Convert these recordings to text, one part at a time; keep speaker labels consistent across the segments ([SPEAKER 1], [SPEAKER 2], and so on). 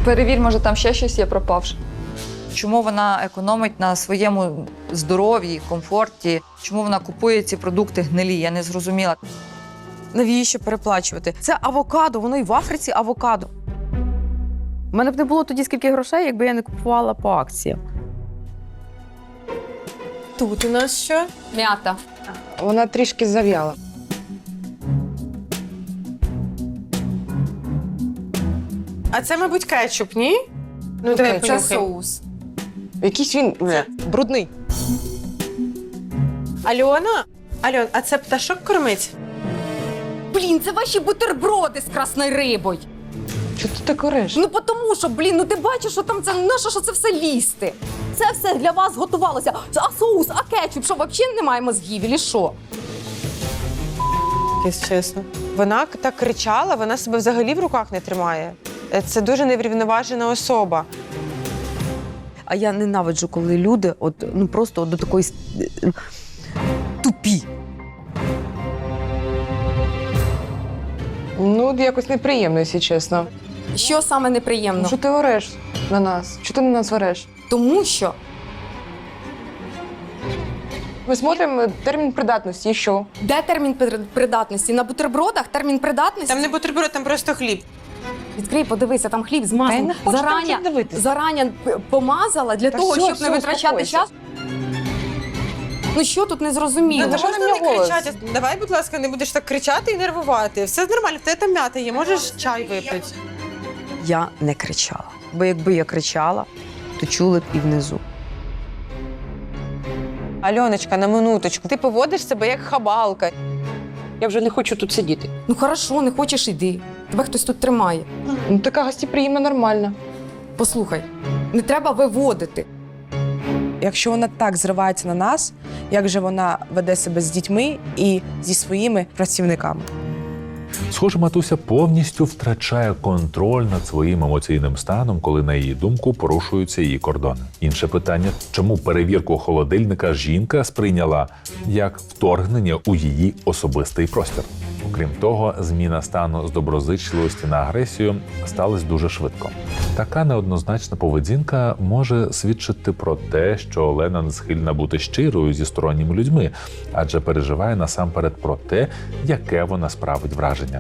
[SPEAKER 1] Перевір, може там ще щось є пропавше. Чому вона економить на своєму здоров'ї, комфорті? Чому вона купує ці продукти гнилі? Я не зрозуміла.
[SPEAKER 2] Навіщо переплачувати? Це авокадо, воно і в Африці авокадо. У мене б не було тоді скільки грошей, якби я не купувала по акціям.
[SPEAKER 3] Тут у нас що?
[SPEAKER 1] М'ята.
[SPEAKER 4] Вона трішки зав'яла.
[SPEAKER 3] А це, мабуть, кетчуп, ні? Ну, давай
[SPEAKER 4] кетчуп.
[SPEAKER 3] понюхай.
[SPEAKER 2] Це соус.
[SPEAKER 4] Якийсь він брудний.
[SPEAKER 3] Альона? Альон, а це пташок кормить?
[SPEAKER 2] Блін, це ваші бутерброди з красною рибою.
[SPEAKER 4] Чого ти так ореш?
[SPEAKER 2] Ну тому що, блін, ну ти бачиш, що там це, нащо що це все лізти? Це все для вас готувалося. А соус, а кетчуп, що взагалі немає мозгів, і що?
[SPEAKER 3] Якщо чесно. Вона так кричала, вона себе взагалі в руках не тримає. Це дуже неврівноважена особа.
[SPEAKER 2] А я ненавиджу, коли люди просто до такої тупі.
[SPEAKER 4] Ну, якось неприємно, якщо чесно.
[SPEAKER 2] Що саме неприємно?
[SPEAKER 4] Ну, що ти ореш на нас? Чого ти на нас ореш?
[SPEAKER 2] Тому що
[SPEAKER 4] Ми смотримо термін придатності, і що?
[SPEAKER 2] де термін придатності? На бутербродах термін придатності?
[SPEAKER 3] Там не бутерброд, там просто хліб.
[SPEAKER 2] Відкрий, подивися, там хліб з
[SPEAKER 4] Та я
[SPEAKER 2] маслом.
[SPEAKER 4] не хочу там хліб дивитися.
[SPEAKER 2] Зарані помазала для
[SPEAKER 4] Та
[SPEAKER 2] того,
[SPEAKER 4] все,
[SPEAKER 2] щоб
[SPEAKER 4] все,
[SPEAKER 2] не витрачати
[SPEAKER 4] успокойся.
[SPEAKER 2] час. Ну що тут не зрозуміло?
[SPEAKER 3] Ну,
[SPEAKER 4] Давай
[SPEAKER 3] можна
[SPEAKER 4] на
[SPEAKER 3] не
[SPEAKER 4] мене голос.
[SPEAKER 3] кричати. Давай, будь ласка, не будеш так кричати і нервувати. Все нормально, в тебе там м'ята є, можеш чай випити.
[SPEAKER 2] Я не кричала. Бо якби я кричала, то чули б і внизу.
[SPEAKER 3] Альоночка, на минуточку, ти поводиш себе як хабалка.
[SPEAKER 4] Я вже не хочу тут сидіти.
[SPEAKER 2] Ну хорошо, не хочеш, іди. Тебе хтось тут тримає.
[SPEAKER 4] Ну, така гостеприємна, нормальна.
[SPEAKER 2] Послухай, не треба виводити.
[SPEAKER 5] Якщо вона так зривається на нас, як же вона веде себе з дітьми і зі своїми працівниками?
[SPEAKER 6] Схоже, матуся повністю втрачає контроль над своїм емоційним станом, коли, на її думку, порушуються її кордони. Інше питання – чому перевірку холодильника жінка сприйняла як вторгнення у її особистий простір? Окрім того, зміна стану з доброзичливості на агресію сталася дуже швидко. Така неоднозначна поведінка може свідчити про те, що Олена не схильна бути щирою зі сторонніми людьми, адже переживає насамперед про те, яке вона справить враження.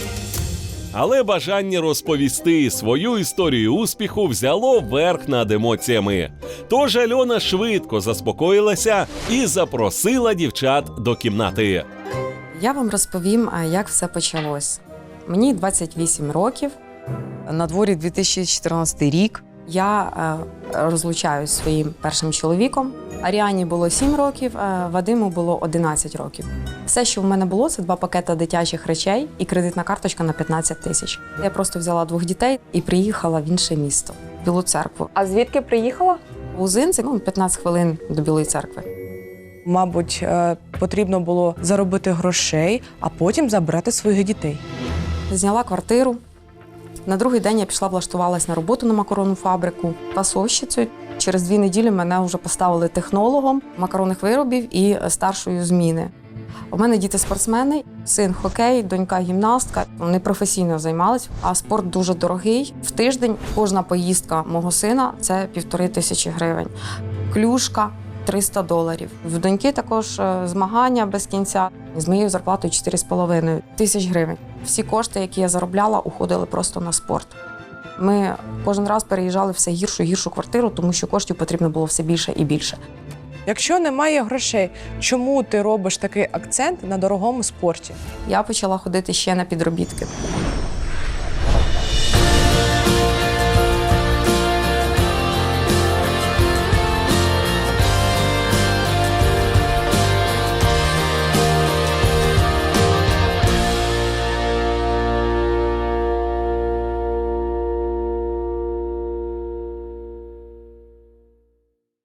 [SPEAKER 7] Але бажання розповісти свою історію успіху взяло верх над емоціями. Тож Альона швидко заспокоїлася і запросила дівчат до кімнати.
[SPEAKER 2] Я вам розповім, як все почалось. Мені 28 років. На дворі 2014 рік. Я розлучаюсь зі своїм першим чоловіком. Аріані було 7 років, Вадиму було 11 років. Все, що в мене було, це 2 пакети дитячих речей і кредитна карточка на 15 тисяч. Я просто взяла 2 дітей і приїхала в інше місто, в Білу Церкву.
[SPEAKER 1] А звідки приїхала?
[SPEAKER 2] Узинці, 15 хвилин до Білої Церкви.
[SPEAKER 5] Мабуть, потрібно було заробити грошей, а потім забрати своїх дітей.
[SPEAKER 2] Зняла квартиру. На другий день я пішла, влаштувалась на роботу на макаронну фабрику фасовщицею. Через 2 неділі мене вже поставили технологом макаронних виробів і старшою зміни. У мене діти-спортсмени, син хокей, донька гімнастка. Вони професійно займались, а спорт дуже дорогий. В тиждень кожна поїздка мого сина – це 1500 гривень. Клюшка – $300. В доньки також змагання без кінця. З моєю зарплатою 4,5 тисяч гривень. Всі кошти, які я заробляла, уходили просто на спорт. Ми кожен раз переїжджали все гіршу і гіршу квартиру, тому що коштів потрібно було все більше і більше.
[SPEAKER 5] Якщо немає грошей, чому ти робиш такий акцент на дорогому спорті?
[SPEAKER 2] Я почала ходити ще на підробітки.